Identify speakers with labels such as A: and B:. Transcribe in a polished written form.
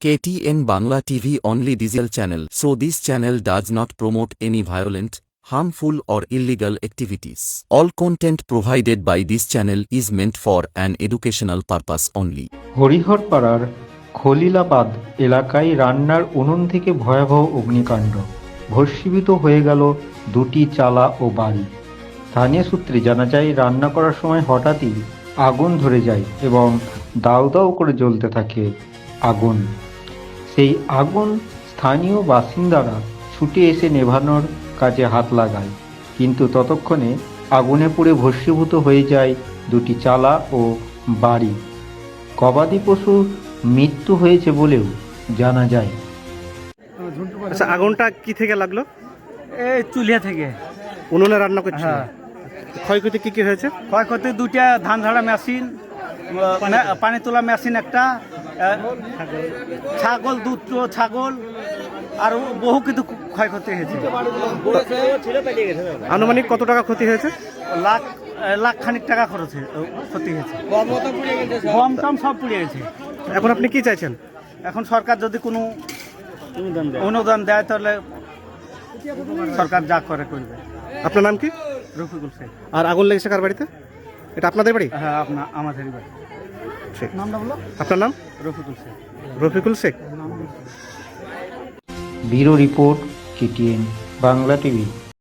A: KTN Bangla TV only digital channel, so this channel does not promote any violent, harmful or illegal activities. All content provided by this channel is meant for an educational purpose only.
B: হরিহরপাড়ার খলিলাবাদ এলাকায় রান্নার উনুন থেকে ভয়াবহ অগ্নিকাণ্ড, ভস্মীভূত হয়ে গেল দুটি চালা ও বাড়ি। স্থানীয় সূত্রে জানা যায়, রান্না করার সময় হঠাৎই আগুন ধরে যায় এবং দাউ দাউ করে জ্বলতে থাকে আগুন। সেই আগুন স্থানীয় বাসিন্দারা ছুটে এসে নেভানোর কাজে হাত লাগায়, কিন্তু ততক্ষণে আগুনে পুড়ে ভস্মীভূত হয়ে যায় দুটি চালা ও বাড়ি। গবাদি পশুর মৃত্যু হয়েছে বলেও জানা যায়।
C: আচ্ছা, আগুনটা কি থেকে লাগলো?
D: এই চুলিয়া থেকে।
C: উনুনে রান্না করছে?
D: হ্যাঁ।
C: ক্ষয়ক্ষতি কি কি হয়েছে?
D: ক্ষয়ক্ষতি দুইটা ধান ঝাড়া মেশিন, পানি তোলা মেশিন একটা, ছাগল দুটো ছাগল, আর বহু কিছু ক্ষয়ক্ষতি হয়েছে।
C: আনুমানিক কত টাকা ক্ষতি হয়েছে?
D: লাখ খানিক টাকা ক্ষতি হয়েছে। গম টম সব পুড়ে গেছে।
C: এখন আপনি কি চাইছেন?
D: এখন সরকার যদি কোনো অনুদান দেয় তাহলে সরকার যা করে করবে।
C: আপনার নাম কি?
D: রফিকুল শেখ।
C: আর আগুন লেগেছে কার বাড়িতে? এটা আপনাদের বাড়ি?
D: হ্যাঁ, আমাদেরই বাড়ি।
C: ঠিক।
D: নামটা বলো।
C: আপনার নাম?
D: Rafikul Sheikh.
C: Rafikul Sheikh.
B: Bureau report, KTN Bangla TV.